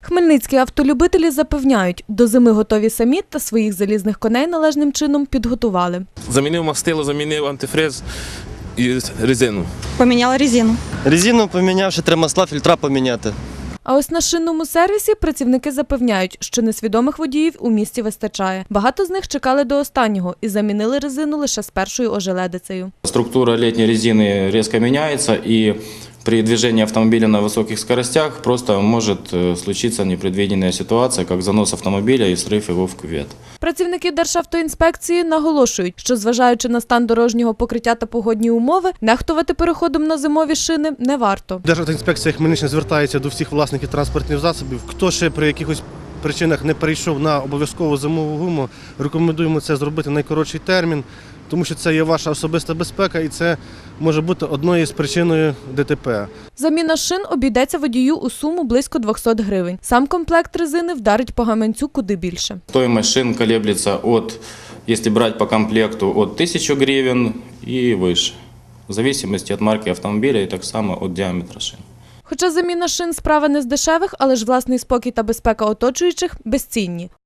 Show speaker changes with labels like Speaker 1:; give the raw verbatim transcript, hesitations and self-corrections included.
Speaker 1: Хмельницькі автолюбителі запевняють, до зими готові самі та своїх залізних коней належним чином підготували.
Speaker 2: Замінив мастило, замінив антифриз і резину.
Speaker 3: Поміняла резину.
Speaker 4: Резину поміняв, ще треба масла, фільтра поміняти.
Speaker 1: А ось на шинному сервісі працівники запевняють, що несвідомих водіїв у місті вистачає. Багато з них чекали до останнього і замінили резину лише з першою ожеледицею.
Speaker 5: Структура летней резины резко меняется, и при движении автомобиля на высоких скоростях просто может случиться непредвиденная ситуация, как занос автомобиля и срыв его в кювет.
Speaker 1: Працівники Державтоінспекції наголошують, що зважаючи на стан дорожнього покриття та погодні умови, нехтувати переходом на зимові шини не варто.
Speaker 6: Державтоінспекція Хмельниччини звертається до всіх власників транспортних засобів. Хто ще при якихось причинах не перейшов на обов'язкову зимову гуму, рекомендуємо це зробити в найкоротший термін, тому що це є ваша особиста безпека і це може бути одною з причиною ДТП.
Speaker 1: Заміна шин обійдеться водію у суму близько двохсот гривень. Сам комплект резини вдарить по гаманцю куди більше.
Speaker 5: Стоимость шин колеблется от, если брать по комплекту, от тысячи гривен и выше, в зависимости от марки автомобиля и так само от диаметра шин.
Speaker 1: Хоча заміна шин – справа не з дешевих, але ж власний спокій та безпека оточуючих безцінні.